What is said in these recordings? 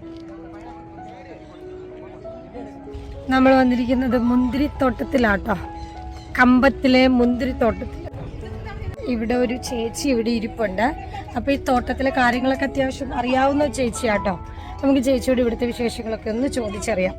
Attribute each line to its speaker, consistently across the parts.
Speaker 1: നമ്മൾ വന്നിരിക്കുന്നത് മുന്തിരിത്തോട്ടത്തിലാട്ടോ, കമ്പത്തിലെ മുന്തിരിത്തോട്ടത്തിൽ. ഇവിടെ ഒരു ചേച്ചി ഇവിടെ ഇരിപ്പുണ്ട്. അപ്പോൾ ഈ തോട്ടത്തിലെ കാര്യങ്ങളൊക്കെ അത്യാവശ്യം അറിയാവുന്ന ചേച്ചിയാട്ടോ. നമുക്ക് ചേച്ചിയോട് ഇവിടുത്തെ വിശേഷങ്ങളൊക്കെ ഒന്ന് ചോദിച്ചറിയാം.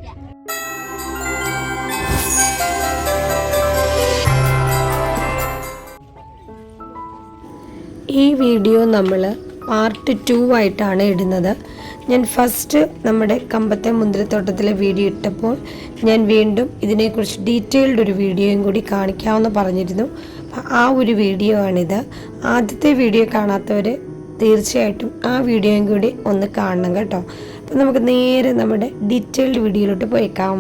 Speaker 1: ഈ വീഡിയോ നമ്മൾ പാർട്ട് 2 ആയിട്ടാണ് ഇടുന്നത്. ഞാൻ ഫസ്റ്റ് നമ്മുടെ കമ്പത്തെ മുന്തിരിത്തോട്ടത്തിലെ വീഡിയോ ഇട്ടപ്പോൾ ഞാൻ വീണ്ടും ഇതിനെക്കുറിച്ച് ഡീറ്റെയിൽഡ് ഒരു വീഡിയോയും കൂടി കാണിക്കാമെന്ന് പറഞ്ഞിരുന്നു. ആ ഒരു വീഡിയോ ആണിത്. ആദ്യത്തെ വീഡിയോ കാണാത്തവർ തീർച്ചയായിട്ടും ആ വീഡിയോയും കൂടി ഒന്ന് കാണണം കേട്ടോ. അപ്പം നമുക്ക് നേരെ നമ്മുടെ ഡീറ്റെയിൽഡ് വീഡിയോയിലോട്ട് പോയേക്കാം.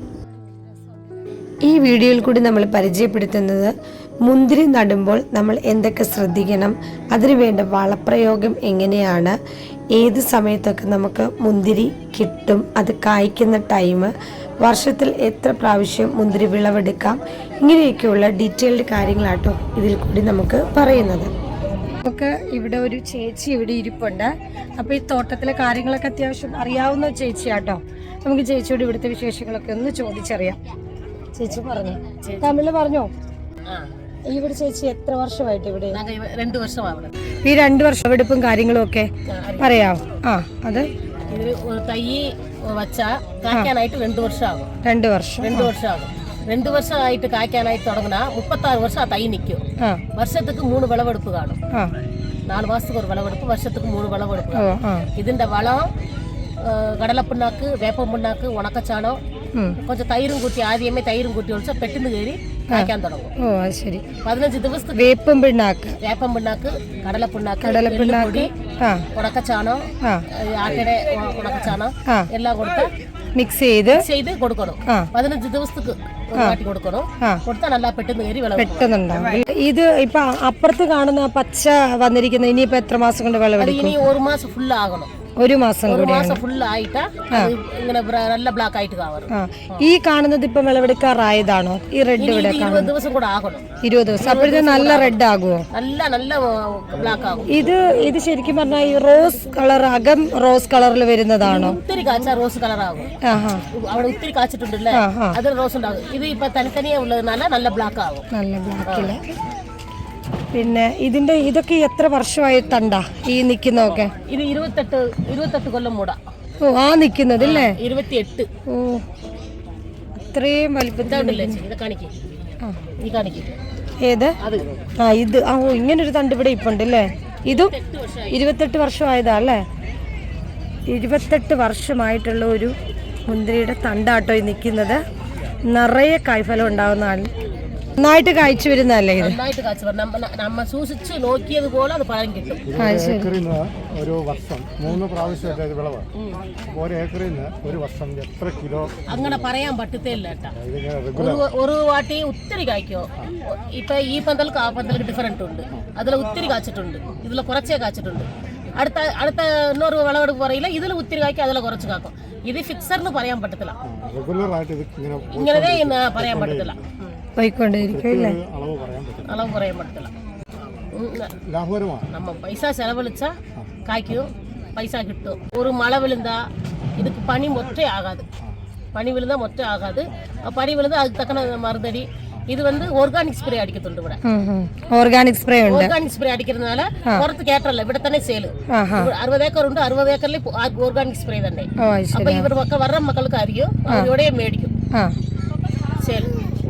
Speaker 1: ഈ വീഡിയോയിൽ കൂടി നമ്മൾ പരിചയപ്പെടുത്തുന്നത് മുന്തിരി നടുമ്പോൾ നമ്മൾ എന്തൊക്കെ ശ്രദ്ധിക്കണം, അതിനു വേണ്ട വളപ്രയോഗം എങ്ങനെയാണ്, ഏത് സമയത്തൊക്കെ നമുക്ക് മുന്തിരി കിട്ടും, അത് കായ്ക്കുന്ന ടൈം, വർഷത്തിൽ എത്ര പ്രാവശ്യം മുന്തിരി വിളവെടുക്കാം, ഇങ്ങനെയൊക്കെയുള്ള ഡീറ്റെയിൽഡ് കാര്യങ്ങളാട്ടോ ഇതിൽ കൂടി നമുക്ക് പറയുന്നത്. നമുക്ക് ഇവിടെ ഒരു ചേച്ചി ഇവിടെ ഇരിപ്പുണ്ട്. അപ്പോൾ ഈ തോട്ടത്തിലെ കാര്യങ്ങളൊക്കെ അത്യാവശ്യം അറിയാവുന്ന ചേച്ചിയാട്ടോ. നമുക്ക് ചേച്ചിയോട് ഇവിടുത്തെ വിശേഷങ്ങളൊക്കെ ഒന്ന് ചോദിച്ചറിയാം. ചേച്ചി പറഞ്ഞു, തമിഴിൽ പറഞ്ഞോ. ഇവിടെ ചേച്ചി എത്ര വർഷമായിട്ട് ഇവിടെ?
Speaker 2: 2 വർഷമാണ്.
Speaker 1: ഈ 2 വർഷം എടുപ്പും കാര്യങ്ങളും ഒക്കെ പറയാമോ? അത്
Speaker 2: തൈ വച്ചാ കായ്ക്കാനായിട്ട് 2 വർഷമാകും.
Speaker 1: 2 വർഷം
Speaker 2: 2 വർഷമാകും. 2 വർഷമായിട്ട് കായ്ക്കാനായിട്ട് തുടങ്ങുന്ന 36 വർഷം ആ തൈ നിൽക്കും. വർഷத்துக்கு 3 വിളവെടുപ്പ് കാണും. 4 മാസத்துக்கு ഒരു വിളവെടുപ്പ്, വർഷத்துக்கு 3 വിളവെടുപ്പ്. ഇതിന്റെ വളം കടലപ്പിണ്ണാക്ക്, വേപ്പം പിണ്ണാക്ക്, ഉണക്കച്ചാണോ, കുറച്ച് തൈരും കൂട്ടി, ആദ്യമേ തൈരും കൂട്ടി ഒഴിച്ചാൽ പെട്ടെന്ന് കയറി കായ്ക്കാൻ തുടങ്ങും. 15 ദിവസത്തേക്ക് വേപ്പം പിണ്ണാക്ക്, കടലപ്പിണ്ണാക്ക്, ഉണക്കച്ചാണോ, ആട്ടയുടെ ഉണക്കച്ചാണോ എല്ലാം കൊടുത്ത്
Speaker 1: മിക്സ് ചെയ്ത്
Speaker 2: കൊടുക്കണം. 15 ദിവസത്തേക്ക് കാട്ടി കൊടുക്കണം. കൊടുത്താൽ നല്ല പെട്ടെന്ന് കയറി
Speaker 1: പെട്ടെന്നുണ്ടാവും. ഇത് ഇപ്പൊ അപ്പുറത്ത് കാണുന്ന പച്ച വന്നിരിക്കുന്നത് ഇനിയിപ്പോ എത്ര മാസം കൊണ്ട് വിളവെടുക്കും?
Speaker 2: ഇനി 1 മാസം ഫുൾ ആകണം.
Speaker 1: 1 മാസം
Speaker 2: ഫുൾ ആയിട്ട് ഇങ്ങനെ നല്ല ബ്ലാക്ക് ആയിട്ട് കാണും.
Speaker 1: ഈ കാണുന്നത് ഇപ്പൊ വിളവെടുക്കാറായതാണോ? ഈ റെഡ് ഇവിടെ
Speaker 2: 20 ദിവസം കൂടെ ആകണം.
Speaker 1: 20 ദിവസം. അപ്പോഴത്തെ നല്ല റെഡ് ആകുമോ?
Speaker 2: നല്ല ബ്ലാക്ക് ആകും.
Speaker 1: ഇത് ശരിക്കും പറഞ്ഞാൽ ഈ റോസ് കളർ, അകം റോസ് കളറിൽ വരുന്നതാണോ?
Speaker 2: ഒത്തിരി കാച്ച റോസ് കളർ ആകും. അവിടെ ഒത്തിരി കാച്ചിട്ടുണ്ടല്ലേ, അത് റോസ് ഉണ്ടാകും. ഇത് ഇപ്പൊ തനിത്തനിയെ ഉള്ളതുനാല നല്ല ബ്ലാക്ക് ആകും. നല്ല ബ്ലാക്കില്.
Speaker 1: പിന്നെ ഇതൊക്കെ എത്ര വർഷമായി തണ്ടാ ഈ നിക്കുന്നതൊക്കെ?
Speaker 2: ഇത് 28 കൊല്ലം മൂടാ.
Speaker 1: ആ നിക്കുന്നത് അല്ലേ?
Speaker 2: 28.
Speaker 1: അത്രയും വലിപ്പത്തിലുണ്ടല്ലേ? ഏത്? ഇത് ഇങ്ങനൊരു തണ്ട് ഇവിടെ ഇപ്പുണ്ട് അല്ലേ? ഇതും 28 വർഷമായതാ അല്ലേ? 28 വർഷമായിട്ടുള്ള ഒരു മുന്തിരിയുടെ തണ്ടാട്ടോ ഈ നിൽക്കുന്നത്. നിറയെ കായ്ഫലം ഉണ്ടാവുന്നതാണ്. നന്നായിട്ട് കായ്ച്ചു വരുന്നല്ലേ ഇത്?
Speaker 2: നന്നായിട്ട് കായ്ച്ചു വരും. നമ്മ സൂക്ഷിച്ച് നോക്കിയത് പോലെ അത് പഴം കിട്ടും.
Speaker 3: ഒരു വർഷം 3 പ്രാവശ്യം വിളവ്. ഒരു ഏക്കറിൽ നിന്ന് ഒരു വർഷം എത്ര കിലോ?
Speaker 2: അങ്ങനെ പറയാൻ പറ്റത്തില്ല കേട്ടാ. ഒരു വാട്ടി ഒത്തിരി കായ്ക്കോ. ഇപ്പൊ ഈ പന്തൽക്ക് ആ പന്തൽക്ക് ഡിഫറൻറ്റ് ഉണ്ട്. അതിൽ ഒത്തിരി കാച്ചിട്ടുണ്ട്, ഇതിൽ കുറച്ചേ കാച്ചിട്ടുണ്ട്. അടുത്ത ಇನ್ನೊരു വിളവെടുപ്പ് പറയില്ല, ഇതിൽ ഒത്തിരി കായ്ക്കും, അതിൽ കുറച്ച് കാക്കും. ഇത് ഫിക്സറിന് പറയാൻ പറ്റത്തില്ല, ഇങ്ങനെ പറയാൻ പറ്റത്തില്ല. അളവ് പറയാൻ പറ്റത്തില്ല. நம்ம பைசா செலவழிச்சா காய்க்கும், பைசா கிட்டும். ஒரு மழை விழுந்தா இதுக்கு பனி மொட்டை ஆகாது. பனி விழுந்தா மொட்டை ஆகாது. பனி விழுந்தா அதுக்கு தக்கன மருந்தடி. இது ஆர்கானிக் ஸ்ப்ரே அடிக்கத்துண்டு. ഇവിടെ
Speaker 1: ഓർഗാനിക് സ്പ്രേ ഉണ്ട്.
Speaker 2: ഓർഗാനിക് സ്പ്രേ അടിക്കുന്നതിനാല പുറത്ത് കേട്ടല്ല, ഇവിടെ തന്നെ സെയിൽ. 60 ഏക്കർ ഉണ്ട്. 60 ഏക്കറിൽ ഓർഗാനിക് സ്പ്രേ തന്നെ. അപ്പൊ ഇവർ വர்ற മക്കൾക്ക് അറിയും, ഇവിടെ മേടിക്കും. സെയിൽ.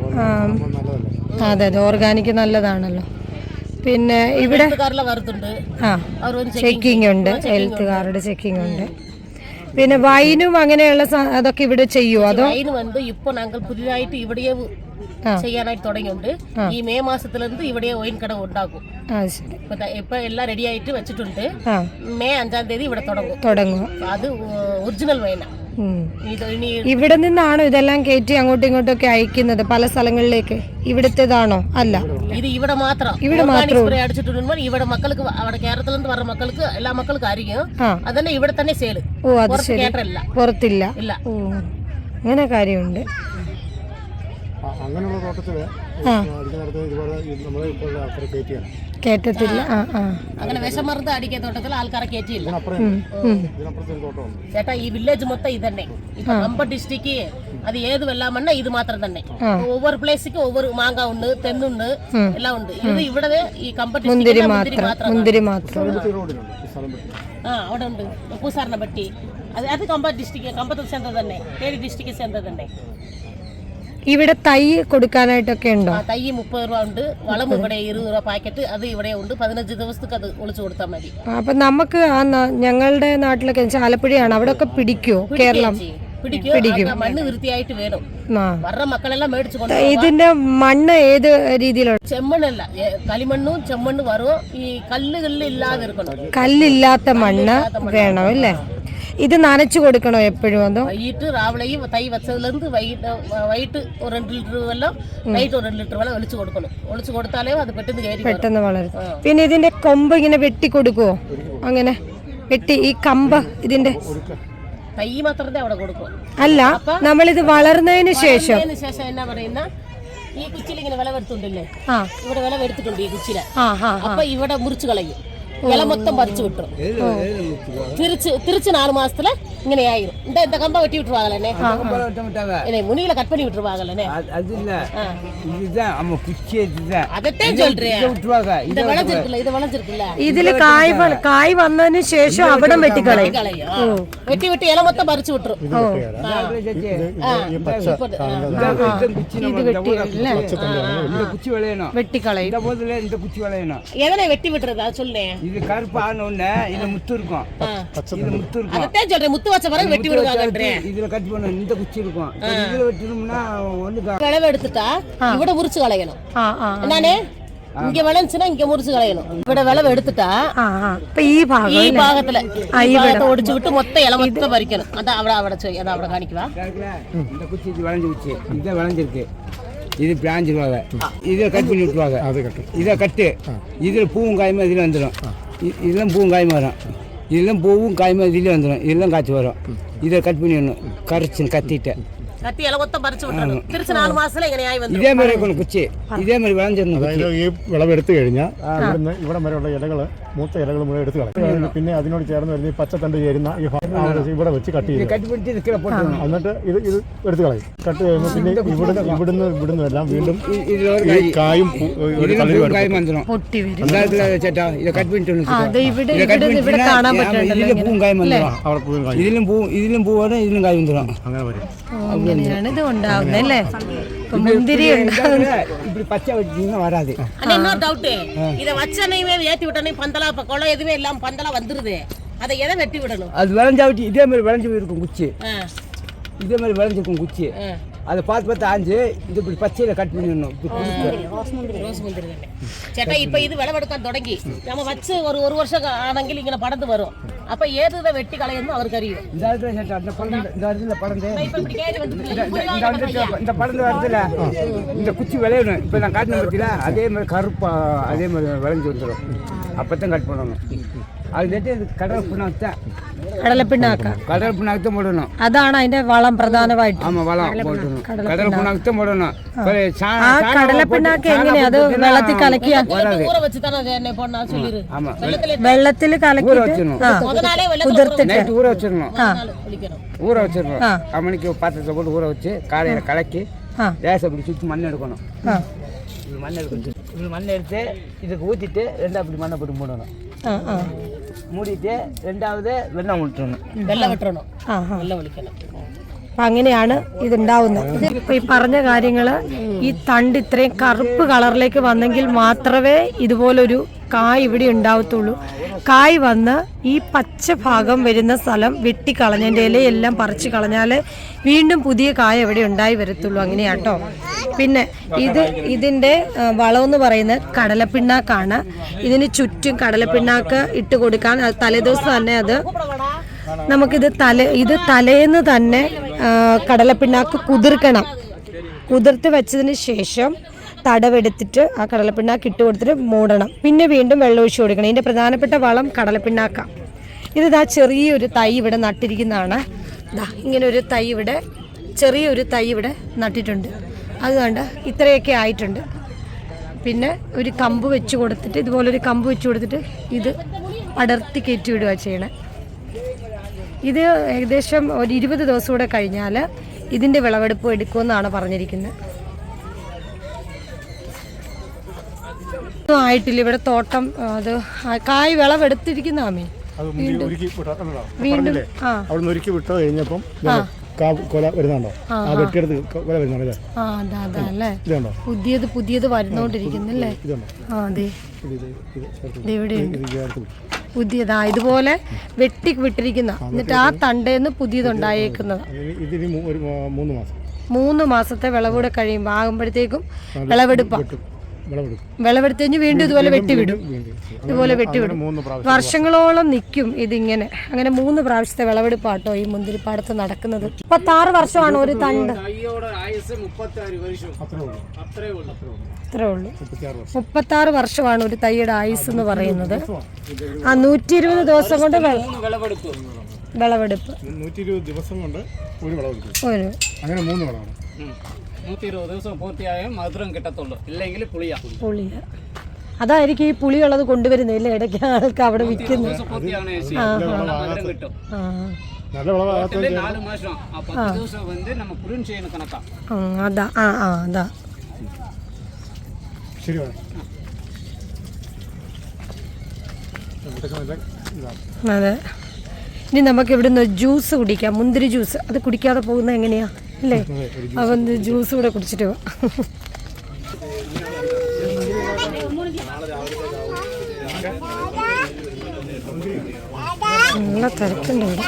Speaker 1: അതെ, ഓർഗാനിക് നല്ലതാണല്ലോ. പിന്നെ ഇവിടെ ചെക്കിംഗ് ഉണ്ട്, ഹെൽത്തുകാരുടെ ചെക്കിംഗ് ഉണ്ട്. പിന്നെ വൈനും അങ്ങനെയുള്ള അതൊക്കെ ഇവിടെ ചെയ്യുമോ? അതോ
Speaker 2: വൈൻ ഇപ്പൊ ഞങ്ങൾ പുതിയതായിട്ട് ഇവിടെ ചെയ്യാനായിട്ട് തുടങ്ങിയുണ്ട്. ഈ മെയ് മാസത്തിലിருந்து ഇവിടെ വൈൻ കട ഉണ്ടാക്കും. ഇപ്പൊ എല്ലാം റെഡി ആയിട്ട് വെച്ചിട്ടുണ്ട്. മെയ് 5-ാം തീയതി ഇവിടെ തുടങ്ങും. അത് ഒറിജിനൽ വൈനാ.
Speaker 1: ഇവിടെ നിന്നാണോ ഇതെല്ലാം കയറ്റി അങ്ങോട്ടും ഇങ്ങോട്ടും ഒക്കെ അയക്കുന്നത് പല സ്ഥലങ്ങളിലേക്ക്? ഇവിടത്തേതാണോ? അല്ല,
Speaker 2: ഇത് ഇവിടെ മാത്രം. ഇവിടെ അടിച്ചിട്ടുണ്ട്. ഇവിടെ മക്കൾക്ക്, അവിടെ കേരളത്തിൽ നിന്ന് പറഞ്ഞ മക്കൾക്ക്, എല്ലാ മക്കൾക്കും അറിയും. അതന്നെ ഇവിടെ തന്നെ സെയിൽ.
Speaker 1: പുറത്തില്ല. അങ്ങനെ കാര്യമുണ്ട്.
Speaker 3: അങ്ങനെയുള്ള തോട്ടത്തില് അടിക്കുന്നിടത്ത് ഇതുപോലെ നമ്മൾ ഇപ്പോൾ ആൾക്കാരെ കയറ്റിയാണ്.
Speaker 1: കേട്ടത്തില്ല.
Speaker 2: അങ്ങനെ വിഷമരുന്ന് അടിക്കുന്ന തോട്ടത്തിൽ ആൾക്കാരെ കയറ്റിയില്ല.
Speaker 3: ഇതിനപ്പുറത്തൊരു തോട്ടമുണ്ട്
Speaker 2: ചേട്ടാ ഈ വില്ലേജ് മൊത്തം ഇതന്നെ. ഇപ്പൊ കമ്പ ഡിസ്ട്രിക്ട് അത് ഏത് വെള്ളാമണ്ണ ഇത് മാത്രം തന്നെ. ഒവ്വൊരു പ്ലേസിക്ക് ഒവ്വൊരു മാങ്ങ ഉണ്ട്, തെങ്ങുണ്ട്, എല്ലാം ഉണ്ട്. ഇത് ഇവിടെ ഈ കമ്പ
Speaker 1: മുന്തിരി
Speaker 2: ഡിസ്ട്രിക്ട്
Speaker 1: മാത്രം.
Speaker 2: അവിടെ ഉണ്ട് പൂസാറിനെപ്പറ്റി. അത് കമ്പ ഡിസ്ട്രിക്ട്, കമ്പത്തിൽ ചേർന്നത് തന്നെ, തേനി ഡിസ്ട്രിക്ട് ചേർന്നത് തന്നെ.
Speaker 1: ഇവിടെ തൈ കൊടുക്കാനായിട്ടൊക്കെ ഉണ്ടോ?
Speaker 2: തൈ 30 രൂപ ഉണ്ട്, വളം ഇവിടെ 20 രൂപ പാക്കറ്റ്, അത് ഇവിടെ ഉണ്ട്. 15 ദിവസത്തേക്ക് അത് ഒളിച്ചു കൊടുത്താൽ മതി.
Speaker 1: അപ്പൊ നമുക്ക് ഞങ്ങളുടെ നാട്ടിലൊക്കെ ആലപ്പുഴയാണ്, അവിടെ ഒക്കെ പിടിക്കുവോ? കേരളം
Speaker 2: പിടിക്കും. മണ്ണ് വൃത്തിയായിട്ട് വേണം. വരുടെ മക്കളെല്ലാം മേടിച്ചു കൊണ്ട്.
Speaker 1: ഇതിന്റെ മണ്ണ് ഏത് രീതിയിലുള്ള?
Speaker 2: ചെമ്മണ്ണല്ല, കളിമണ്ണും ചെമ്മണ്ണും വരും. ഈ കല്ലുകളിൽ ഇല്ലാതെ ഇരിക്കണം.
Speaker 1: കല്ലില്ലാത്ത മണ്ണ് വേണം അല്ലേ? ഇത് നനച്ചു കൊടുക്കണോ എപ്പോഴും? അതോ
Speaker 2: വൈകിട്ട് രാവിലെയും തൈ വെച്ചതിലിருந்து വൈകിട്ട് ഒരു 2 ലിറ്റർ വെള്ളം, നൈറ്റ് ഒരു 2 ലിറ്റർ വെള്ളം ഒളിച്ചു കൊടുക്കണം. ഒളിച്ചു കൊടുത്താലേ അത് പെട്ടെന്ന്
Speaker 1: വളരും. പിന്നെ ഇതിന്റെ കൊമ്പ് ഇങ്ങനെ വെട്ടി കൊടുക്കുവോ? അങ്ങനെ വെട്ടി ഈ കമ്പ് ഇതിന്റെ
Speaker 2: തൈ മാത്രമേ അവിടെ കൊടുക്കും.
Speaker 1: അല്ല, നമ്മളിത് വളർന്നതിന് ശേഷം
Speaker 2: എന്നാ പറയുന്ന ഈ കുച്ചിൽ ഇങ്ങനെ വിളവെടുത്തുണ്ടല്ലേ, ഇവിടെ വിളവെടുത്തിട്ടുണ്ട് ഈ കുച്ചില. അപ്പൊ ഇവിടെ മുറിച്ചു കളയും, ഇല മൊത്തം പറിച്ചു വിട്ടും. തിരിച്ച് 4 மாசத்துல இங்கே ஆயிரும். இந்த கம்ப வெட்டி விட்டுருவாங்களே, முனிகளை கட் பண்ணி விட்டுருவாங்களே.
Speaker 4: அது இல்ல, இதுதான் நம்ம குச்சி இதுதான்.
Speaker 2: அதத்தான் சொல்றேன். இது வளைஞ்சிருக்குல்ல,
Speaker 1: ഇതില് കായ് വന്നതിന് ശേഷം അവിടെ വെട്ടിക്കളയും.
Speaker 2: വെട്ടി ഇല മൊത്തം പറിച്ചു വിട്ടുരും.
Speaker 1: ഇത്
Speaker 4: குச்சி விளையணும்,
Speaker 1: വെട്ടിക്കളയും.
Speaker 4: இந்த குச்சி விளையணும்.
Speaker 2: எதனை வெட்டி விட்டுறது அது சொல்லேன்.
Speaker 4: இது கருப்பு ஆனோன்னு இது முத்து இருக்கும், இது முத்து இருக்கும்.
Speaker 2: அதத்தான் சொல்றேன், முத்து வச்ச பிறகு வெட்டி விடுவாங்கன்றேன்.
Speaker 4: இதுல கட் பண்ண இந்த குச்சி இருக்கும், இதுல வெட்டணும்னா ஒண்ணு
Speaker 2: விளவு எடுத்துட்டா இவட முறிச்சு களையணும். என்னே இங்க விளைஞ்சுனா இங்க முறிச்சு களையணும். இவட விளவு எடுத்துட்டா
Speaker 1: ഈ
Speaker 2: ഭാഗத்துல ഒടിച്ചു വിട്ട് മൊത്തം ഇല മൊത്തം പറിക്കണം. അതാ അവിടെ കാണിക്കുവാ.
Speaker 4: இந்த குச்சி இது விளைஞ்சு குச்சி, இதை விளைஞ்சிருக்கு, இது பிளாஞ்சிருவாங்க, இதை கட் பண்ணி விட்டுருவாங்க. இதை கட்டு, இதில் பூவும் காயுமா இதில் வந்துடும், இதெல்லாம் பூவும் காயுமா வரும், இதெல்லாம் பூவும் காயுமா இதில் வந்துடும், இதெல்லாம் காய்ச்சி வரும். இதை கட் பண்ணிடணும், கரைச்சு கத்திட்டு
Speaker 2: ഇല മൊത്തം പറിച്ചു വിട്ടണം. തിരിച്ച് 4 മാസത്തില് ഇങ്ങനെയായി വന്നു.
Speaker 4: ഇതേ മാതിരി കുച്ചി, ഇതേ മാതിരി വിളഞ്ഞിരുന്നു.
Speaker 3: ഈ വിളവെടുത്ത് കഴിഞ്ഞാൽ ഇവിടുന്ന് ഇവിടെ വരെയുള്ള ഇലകൾ, മൂത്ത ഇലകൾ മുഴുവൻ എടുത്ത് കളയും. പിന്നെ അതിനോട് ചേർന്ന് വരുന്ന ഈ പച്ചത്തണ്ട് ചേരുന്ന ഈ ഇവിടെ വെച്ച് കട്ട് ചെയ്യും. എന്നിട്ട് ഇത് എടുത്ത് കളയും. കട്ട് ചെയ്യുമ്പോൾ പിന്നെ ഇവിടുന്ന് എല്ലാം വീണ്ടും ഈ കായും
Speaker 4: കായും വന്നിடும். ചേട്ടാ ഇത് കട്ട്
Speaker 1: ഇതിലും
Speaker 4: പൂ വരും, ഇതിലും കായ് വന്നിடும்.
Speaker 3: അങ്ങനെ വരും.
Speaker 1: അങ്ങനെയാണ് ഇത് ഉണ്ടാവുന്നത് അല്ലേ? മുന്തിരി
Speaker 4: இப்படி பச்சை வச்சீங்கன்னா வராது.
Speaker 2: ஆனா இன்னொரு டவுட், இத வச்சனையுமே ஏத்தி விட்டனே பந்தலா இப்ப குளம் எதுவுமே இல்லாம பந்தலா வந்துருது. அதை எதை வெட்டி விடணும்?
Speaker 4: அது விளைஞ்சாவிட்டு இதே மாதிரி விளைஞ்சு இருக்கும் குச்சி, இதே மாதிரி விளைஞ்சிருக்கும் குச்சி. அதை பார்த்து ஆஞ்சு இது இப்படி பச்சையில கட் பண்ணிடணும்.
Speaker 2: ரோஸ் முந்திரி തന്നെ ചേട്ടാ. ഇപ്പൊ ഇത് വിളവെടുക്കാൻ തുടങ്ങി നമ്മ വച്ച് ഒരു വർഷം ആണെങ്കിൽ ഇങ്ങനെ പടർന്ന് വരും. അപ്പൊ ഏത് വെട്ടി കളയുന്നു അവർക്ക് അറിയും.
Speaker 4: இந்த படந்து வரதுல இந்த குச்சி விளையணும். இப்ப நான் காட்டின பத்தியில அதே மாதிரி கருப்பா அதே மாதிரி விளைஞ்சு வந்துடும். அப்பதான் கட் பண்ணணும். அது நெட்டு கடல் புண்ணாக்கு പോടണം.
Speaker 1: അതാണ് അതിന്റെ വളം പ്രധാനമായിട്ട്.
Speaker 4: ആമാ വളം പോടണം. കടൽ പുണ്ണാക്ക് പോടണം.
Speaker 1: കടലപ്പിണ്ണാക്ക് എങ്ങനെയാ അത് വെള്ളത്തിൽ കലക്കിയ? വെള്ളത്തിൽ കലക്കി
Speaker 4: நைட்டு ஊற வச்சிடணும். மணிக்கு பாத்திரத்தை போட்டு ஊற வச்சு காலையில கலக்கி லேசை அப்படி சுற்றி மண் எடுக்கணும். இப்படி மண் எடுக்கணும். இப்படி மண் எடுத்து இதுக்கு ஊற்றிட்டு அப்படி மண்ணை போட்டு மூடணும். മൂടിയിട്ട് രണ്ടാമത് വെള്ളം വിട്ടണം.
Speaker 1: അങ്ങനെയാണ് ഇതുണ്ടാവുന്നത്. ഇപ്പൊ ഈ പറഞ്ഞ കാര്യങ്ങള്, ഈ തണ്ട് ഇത്രയും കറുപ്പ് കളറിലേക്ക് വന്നെങ്കിൽ മാത്രമേ ഇതുപോലൊരു കായ് ഇവിടെ ഉണ്ടാവത്തുള്ളൂ. കായ് വന്ന് ഈ പച്ച ഭാഗം വരുന്ന സ്ഥലം വെട്ടിക്കളഞ്ഞതിൻ്റെ ഇലയെല്ലാം പറിച്ചു കളഞ്ഞാൽ വീണ്ടും പുതിയ കായ ഇവിടെ ഉണ്ടായി വരത്തുള്ളൂ. അങ്ങനെയാട്ടോ. പിന്നെ ഇതിൻ്റെ വളമെന്ന് പറയുന്നത് കടലപ്പിണ്ണാക്കാണ്. ഇതിന് ചുറ്റും കടലപ്പിണ്ണാക്ക് ഇട്ട് കൊടുക്കാൻ തലേദിവസം തന്നെ നമുക്കിത് തലേന്ന് തന്നെ കടലപ്പിണ്ണാക്ക് കുതിർക്കണം. കുതിർത്ത് വെച്ചതിന് ശേഷം തടവെടുത്തിട്ട് ആ കടലപ്പിണ്ണാക്ക് ഇട്ട് കൊടുത്തിട്ട് മൂടണം. പിന്നെ വീണ്ടും വെള്ളം ഒഴിച്ച് കൊടുക്കണം. ഇതിൻ്റെ പ്രധാനപ്പെട്ട വളം കടലപ്പിണ്ണാക്കാണ്. ഇതാ ചെറിയൊരു തൈ ഇവിടെ നട്ടിരിക്കുന്നതാണ്. ഇങ്ങനെ ഒരു തൈ ഇവിടെ, ചെറിയൊരു തൈ ഇവിടെ നട്ടിട്ടുണ്ട്. അത് കണ്ട ഇത്രയൊക്കെ ആയിട്ടുണ്ട്. പിന്നെ ഒരു കമ്പ് വെച്ച് കൊടുത്തിട്ട് ഇതുപോലൊരു കമ്പ് വെച്ച് കൊടുത്തിട്ട് ഇത് അടർത്തി കയറ്റി വിടുക ചെയ്യണേ. ഇത് ഏകദേശം ഒരു 20 ദിവസം കൂടെ കഴിഞ്ഞാൽ ഇതിൻ്റെ വിളവെടുപ്പ് എടുക്കുമെന്നാണ് പറഞ്ഞിരിക്കുന്നത്. ആയിട്ടില്ല ഇവിടെ തോട്ടം. അത് കായ് വിളവെടുത്തിരിക്കുന്ന ആമേ
Speaker 3: വീണ്ടും അവിടെ ഒരുക്കി വിട്ട് കഴിഞ്ഞപ്പം കൊല വരുന്നുണ്ടോ?
Speaker 1: അതല്ലേ പുതിയത് വരുന്നോണ്ടിരിക്കുന്നല്ലേ? അതെ ഇവിടെയുണ്ട് പുതിയതാ ഇതുപോലെ വെട്ടി വിട്ടിരിക്കുന്ന. എന്നിട്ട് ആ തണ്ടേന്ന് പുതിയതുണ്ടായേക്കുന്നത് 3 മാസത്തെ വിളവൂടെ കഴിയുമ്പോൾ ആകുമ്പോഴത്തേക്കും വിളവെടുത്ത് കഴിഞ്ഞ് വീണ്ടും ഇതുപോലെ വെട്ടിവിടും. വർഷങ്ങളോളം നിൽക്കും ഇതിങ്ങനെ. അങ്ങനെ 3 പ്രാവശ്യത്തെ വിളവെടുപ്പാട്ടോ ഈ മുന്തിരിപ്പാടത്ത് നടക്കുന്നത്. 36 വർഷമാണ് ഒരു തണ്ട്. അത്രേ ഉള്ളൂ. 36 വർഷമാണ് ഒരു തൈയുടെ ആയുസ് എന്ന് പറയുന്നത്. 120 ദിവസം കൊണ്ട് വിളവെടുപ്പ്.
Speaker 3: 120 ദിവസം കൊണ്ട് ഒരു വിളവെടുപ്പ്. അങ്ങനെ 3 വിളവാണ്.
Speaker 5: 120 ദിവസം പൂർത്തിയായാൽ മധുരം കിട്ടത്തുള്ളൂ, ഇല്ലെങ്കിൽ പുളിയ.
Speaker 1: അതായിരിക്കും ഈ പുളിയുള്ളത് കൊണ്ടുവരുന്നില്ല ഇടയ്ക്ക് ആൾക്ക് അവിടെ വിൽക്കുന്നത്.
Speaker 5: കിട്ടും.
Speaker 3: നല്ല വിളവാകത്ത
Speaker 5: 4 മാസം 10 ദിവസം வந்து நம்ம புரின் செய்யணும் கணக்கா.
Speaker 1: അതാ അതാ
Speaker 3: ശരി.
Speaker 1: അതെ. ഇനി നമുക്ക് ഇവിടുന്ന് ജ്യൂസ് കുടിക്കാം, മുന്തിരി ജ്യൂസ്. അത് കുടിക്കാതെ പോകുന്നത് എങ്ങനെയാ അല്ലേ? അവൻ ജ്യൂസ് കൂടെ കുടിച്ചിട്ട് പോവാം. നല്ല തിരക്കുണ്ട് ഇവിടെ.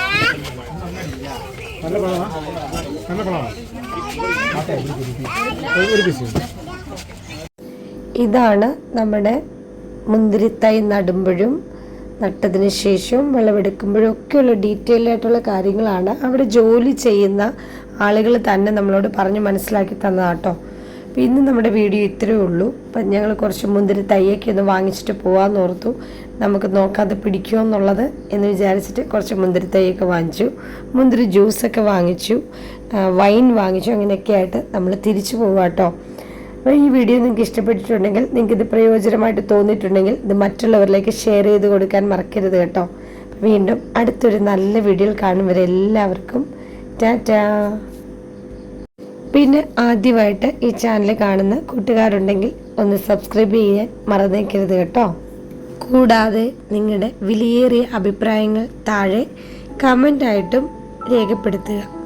Speaker 1: ഇതാണ് നമ്മുടെ മുന്തിരിത്തൈ നടുമ്പോഴും നട്ടതിന് ശേഷവും വിളവെടുക്കുമ്പോഴും ഒക്കെയുള്ള ഡീറ്റെയിൽ ആയിട്ടുള്ള കാര്യങ്ങളാണ് അവിടെ ജോലി ചെയ്യുന്ന ആളുകൾ തന്നെ നമ്മളോട് പറഞ്ഞ് മനസ്സിലാക്കി തന്നതാട്ടോ. അപ്പോൾ ഇന്ന് നമ്മുടെ വീഡിയോ ഇത്രയേ ഉള്ളൂ. അപ്പം ഞങ്ങൾ കുറച്ച് മുന്തിരി തൈയൊക്കെ ഒന്ന് വാങ്ങിച്ചിട്ട് പോകാമെന്ന് ഓർത്തു. നമുക്ക് നോക്കാതെ പിടിക്കുമോ എന്നുള്ളത് എന്ന് വിചാരിച്ചിട്ട് കുറച്ച് മുന്തിരി തൈയൊക്കെ വാങ്ങിച്ചു, മുന്തിരി ജ്യൂസൊക്കെ വാങ്ങിച്ചു, വൈൻ വാങ്ങിച്ചു. അങ്ങനെയൊക്കെ ആയിട്ട് നമ്മൾ തിരിച്ചു പോകാം കേട്ടോ. അപ്പോൾ ഈ വീഡിയോ നിങ്ങൾക്ക് ഇഷ്ടപ്പെട്ടിട്ടുണ്ടെങ്കിൽ, നിങ്ങൾക്കിത് പ്രയോജനമായിട്ട് തോന്നിയിട്ടുണ്ടെങ്കിൽ ഇത് മറ്റുള്ളവരിലേക്ക് ഷെയർ ചെയ്ത് കൊടുക്കാൻ മറക്കരുത് കേട്ടോ. വീണ്ടും അടുത്തൊരു നല്ല വീഡിയോയിൽ കാണും വരെ എല്ലാവർക്കും ടാറ്റാ. പിന്നെ ആദ്യമായിട്ട് ഈ ചാനൽ കാണുന്ന കൂട്ടുകാരുണ്ടെങ്കിൽ ഒന്ന് സബ്സ്ക്രൈബ് ചെയ്യാൻ മറന്നേക്കരുത് കേട്ടോ. കൂടാതെ നിങ്ങളുടെ വിലയേറിയ അഭിപ്രായങ്ങൾ താഴെ കമൻ്റായിട്ടും രേഖപ്പെടുത്തുക.